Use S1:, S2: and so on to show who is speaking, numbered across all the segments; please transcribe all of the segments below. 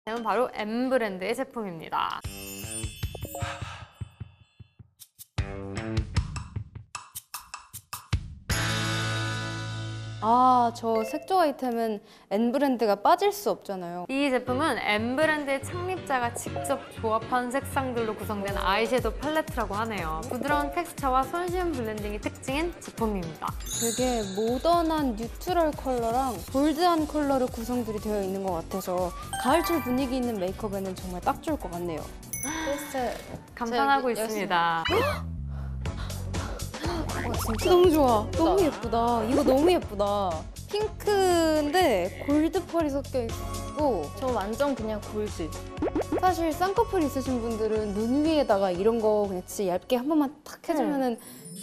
S1: 다음은 바로 M 브랜드의 제품입니다.
S2: 아, 저 색조 아이템은 N 브랜드가 빠질 수 없잖아요.
S1: 이 제품은 M 브랜드의 창립자가 직접 조합한 색상들로 구성된 아이섀도우 팔레트라고 하네요. 부드러운 텍스처와 손쉬운 블렌딩이 특징인 제품입니다.
S2: 되게 모던한 뉴트럴 컬러랑 볼드한 컬러로 구성들이 되어 있는 것 같아서 가을철 분위기 있는 메이크업에는 정말 딱 좋을 것 같네요.
S1: 감탄하고 있습니다.
S2: 진짜 너무 좋아. 너무 예쁘다. 이거 너무 예쁘다. 핑크인데 골드 펄이 섞여 있고
S3: 저 완전 그냥 골드.
S2: 사실 쌍꺼풀 있으신 분들은 눈 위에다가 이런 거 그냥 진짜 얇게 한 번만 탁 해주면은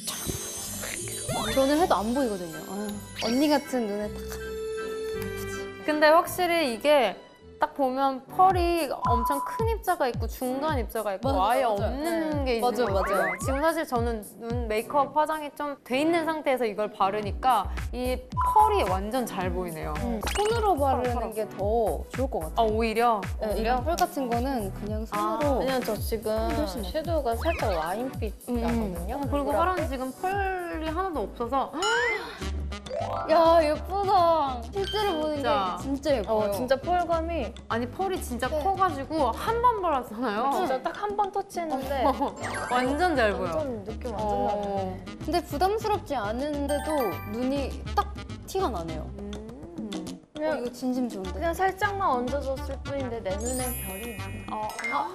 S2: 저는 해도 안 보이거든요. 아유, 언니 같은 눈에 딱.
S1: 근데 확실히 이게 딱 보면 펄이 엄청 큰 입자가 있고 중간 입자가 있고
S2: 맞아,
S1: 아예
S2: 맞아.
S1: 없는 게 있는
S2: 맞아요,
S1: 것 같아요.
S2: 맞아요.
S1: 지금 사실 저는 눈 메이크업 화장이 좀 돼 있는 상태에서 이걸 바르니까 이 펄이 완전 잘 보이네요.
S2: 손으로 바르는 게 더 좋을 것 같아요.
S1: 아 오히려?
S2: 네, 이런 펄 같은 거는 그냥 손으로.
S3: 왜냐면 저 지금 섀도우가 살짝 와인빛 나거든요.
S1: 그리고 화랑 지금 펄이 하나도 없어서
S2: 야, 예쁘다. 실제로 보는
S1: 진짜.
S2: 게 진짜 예뻐요.
S3: 진짜 펄감이
S1: 아니 펄이 진짜
S2: 네.
S1: 커가지고 한 번 발랐잖아요.
S3: 진짜 딱 한 번 터치했는데
S1: 완전 잘 보여.
S3: 완전 느낌 완전 나네.
S2: 근데 부담스럽지 않은데도 눈이 딱 티가 나네요.
S3: 그냥
S2: 이거 진심 좋은데.
S3: 그냥 살짝만 얹어줬을 뿐인데 내 눈엔 별이 있네.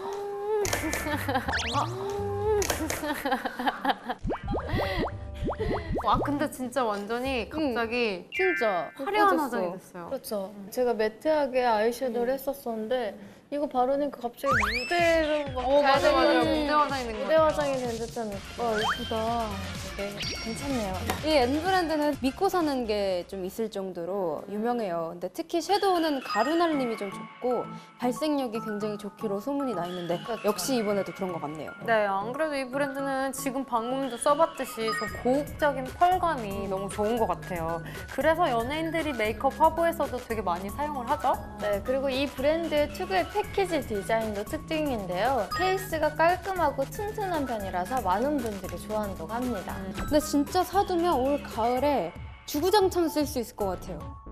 S1: 아 근데 진짜 완전히 갑자기
S2: 진짜
S1: 화려한
S2: 예뻐졌어.
S1: 화장이 됐어요.
S3: 그렇죠. 제가 매트하게 아이섀도우를 했었었는데 이거 바르니까 갑자기 무대로 막 가야
S1: 맞아 맞아
S3: 되는
S1: 무대 화장이 된 거.
S3: 무대 화장이 된 듯한 느낌.
S2: 예쁘다.
S3: 되게 괜찮네요.
S2: 이 N 브랜드는 믿고 사는 게 좀 있을 정도로 유명해요. 근데 특히 섀도우는 가루날림이 좀 좋고 발색력이 굉장히 좋기로 소문이 나 있는데 역시 이번에도 그런 것 같네요.
S1: 네, 안 그래도 이 브랜드는 지금 방금도 써봤듯이 좀 고혹적인 펄감이 너무 좋은 것 같아요. 그래서 연예인들이 메이크업 화보에서도 되게 많이 사용을 하죠.
S3: 네, 그리고 이 브랜드의 특유의 패키지 디자인도 특징인데요. 케이스가 깔끔하고 튼튼한 편이라서 많은 분들이 좋아한다고 합니다.
S2: 근데 진짜 사두면 올 가을에 주구장창 쓸 수 있을 것 같아요.